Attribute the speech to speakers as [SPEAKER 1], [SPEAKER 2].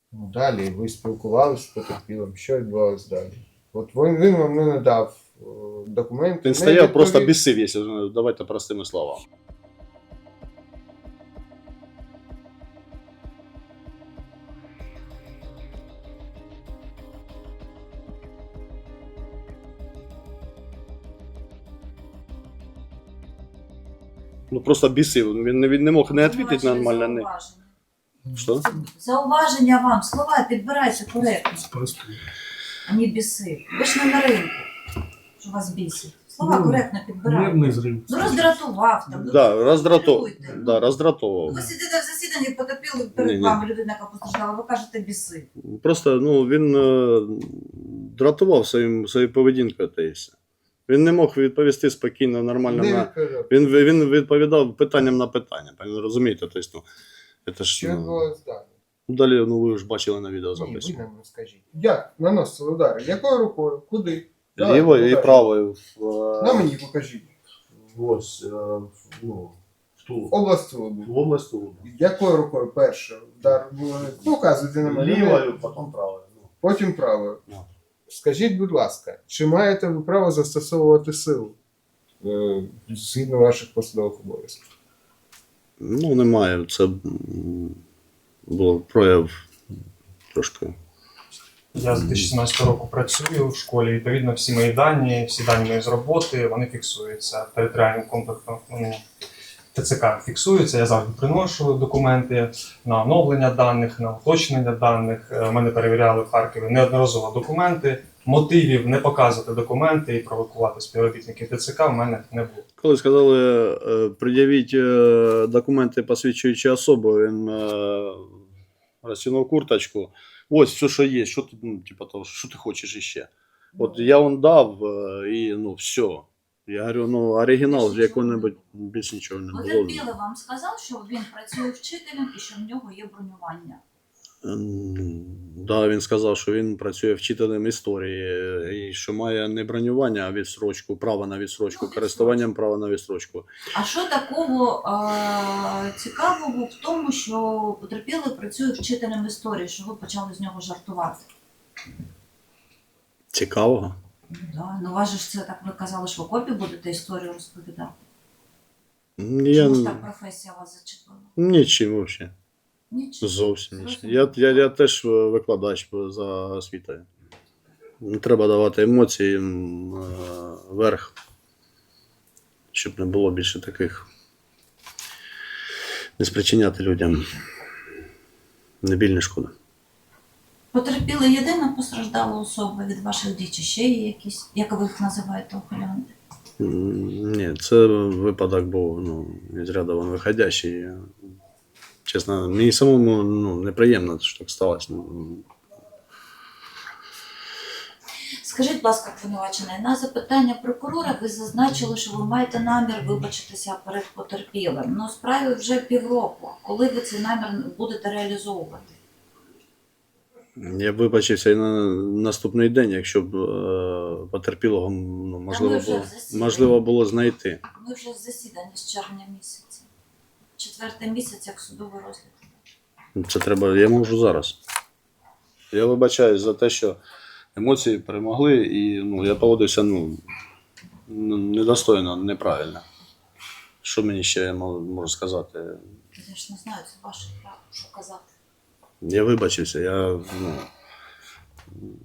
[SPEAKER 1] Ну, далі ви спілкувалися з потерпілим, що відбувалося далі? От він вам не надав документи.
[SPEAKER 2] Він
[SPEAKER 1] не
[SPEAKER 2] стояв, просто
[SPEAKER 1] відповів.
[SPEAKER 2] бісив, якщо давайте простими словами. Ну просто бісив. Він не мог не відповідати нормально. Не. Що?
[SPEAKER 3] Зауваження вам, слова підбирайте коректно, а не біси. Ви ж не на ринку, що вас бісить. Слова коректно підбирайте.
[SPEAKER 4] Нервний зрив.
[SPEAKER 3] Ну роздратував там. Ну,
[SPEAKER 2] Да,
[SPEAKER 3] роздратуйте.
[SPEAKER 2] роздратовував.
[SPEAKER 3] Ви сидите в засіданні, потерпіли перед
[SPEAKER 2] Ні-ні.
[SPEAKER 3] вами людина, яка постраждала, ви кажете біси.
[SPEAKER 2] Просто він дратував своєю поведінкою та і все. Він не мог відповісти спокійно, нормально.
[SPEAKER 1] Не
[SPEAKER 2] На...
[SPEAKER 1] відповідав.
[SPEAKER 2] Він відповідав питанням на питання. Розумієте? Тобто, це ж,
[SPEAKER 1] Що відбувалося далі?
[SPEAKER 2] далі, ви ж бачили на
[SPEAKER 1] Ні,
[SPEAKER 2] відеозаписі.
[SPEAKER 1] ви нам розкажіть. Як наносили удари? Якою рукою? Куди?
[SPEAKER 2] Лівою і
[SPEAKER 1] покажіть.
[SPEAKER 2] правою.
[SPEAKER 1] На мені покажіть.
[SPEAKER 4] Ось, ну,
[SPEAKER 1] В область Луби.
[SPEAKER 4] в область Луби.
[SPEAKER 1] Якою рукою перше? Удар показуйте на мене.
[SPEAKER 4] Лівою, потім правою. Ну.
[SPEAKER 1] Потім правою.
[SPEAKER 2] Ну.
[SPEAKER 1] Скажіть, будь ласка, чи маєте ви право застосовувати силу згідно ваших посадових обов'язків?
[SPEAKER 2] Ну, немає. Це було прояв трошки.
[SPEAKER 5] Я з 2017 року працюю в школі. Відповідно, всі мої дані, всі дані мої з роботи, вони фіксуються територіальним комплексом. ТЦК фіксуються. Я завжди приношу документи на оновлення даних, на уточнення даних. Мене перевіряли в Харкові неодноразово документи. Мотивів не показувати документи і провокувати співробітників ТЦК в мене не було.
[SPEAKER 2] Коли сказали, пред'явіть документи, посвідчуючи особу, він розтягнув курточку. Ось все, що є, що ти, ну, типу, того, що ти хочеш іще. От я вам дав, і ну все. Я говорю, ну оригінал з якого-небудь більш нічого не було.
[SPEAKER 3] Потерпілий вам сказав, що він працює вчителем і що в нього є бронювання.
[SPEAKER 2] Да, він сказав, що він працює вчителем історії і що має не бронювання, а відсрочку, право на відсрочку,
[SPEAKER 3] Ну,
[SPEAKER 2] користуванням права на відсрочку.
[SPEAKER 3] А що такого цікавого в тому, що потерпілий працює вчителем історії, що ви почали з нього жартувати?
[SPEAKER 2] Цікавого?
[SPEAKER 3] Ну, да. Ну, вас же ж це так ви казали, що в окопі будете історію розповідати.
[SPEAKER 2] Я...
[SPEAKER 3] Чому ж так професія вас зачепила?
[SPEAKER 2] Нічим взагалі.
[SPEAKER 3] Нічого.
[SPEAKER 2] Зовсім нічим. Я теж викладач за освітою. Не треба давати емоції вверх, щоб не було більше таких. Не спричиняти людям не біль, не шкода.
[SPEAKER 3] Потерпіли єдина постраждала особа від ваших дій, чи ще є якісь, як ви їх називаєте, ухилянти?
[SPEAKER 2] Ні, це випадок був із ряду вон виходящий. Чесно, мені самому неприємно, що так сталося.
[SPEAKER 3] Скажіть, будь ласка, обвинувачений, на запитання прокурора ви зазначили, що ви маєте намір вибачитися перед потерпілим. Ну, справі вже півроку. Коли ви цей намір будете реалізовувати?
[SPEAKER 2] Я вибачився і на наступний день, якщо б потерпілого можливо було знайти.
[SPEAKER 3] Ми вже в засіданні з червня місяця. 4-й місяць, як судовий розгляд.
[SPEAKER 2] Це треба, я можу зараз. Я вибачаюсь за те, що емоції перемогли, і я поводився недостойно, неправильно. Що мені ще можу сказати?
[SPEAKER 3] Я ж не знаю, це ваше право, що казати.
[SPEAKER 2] Я вибачився,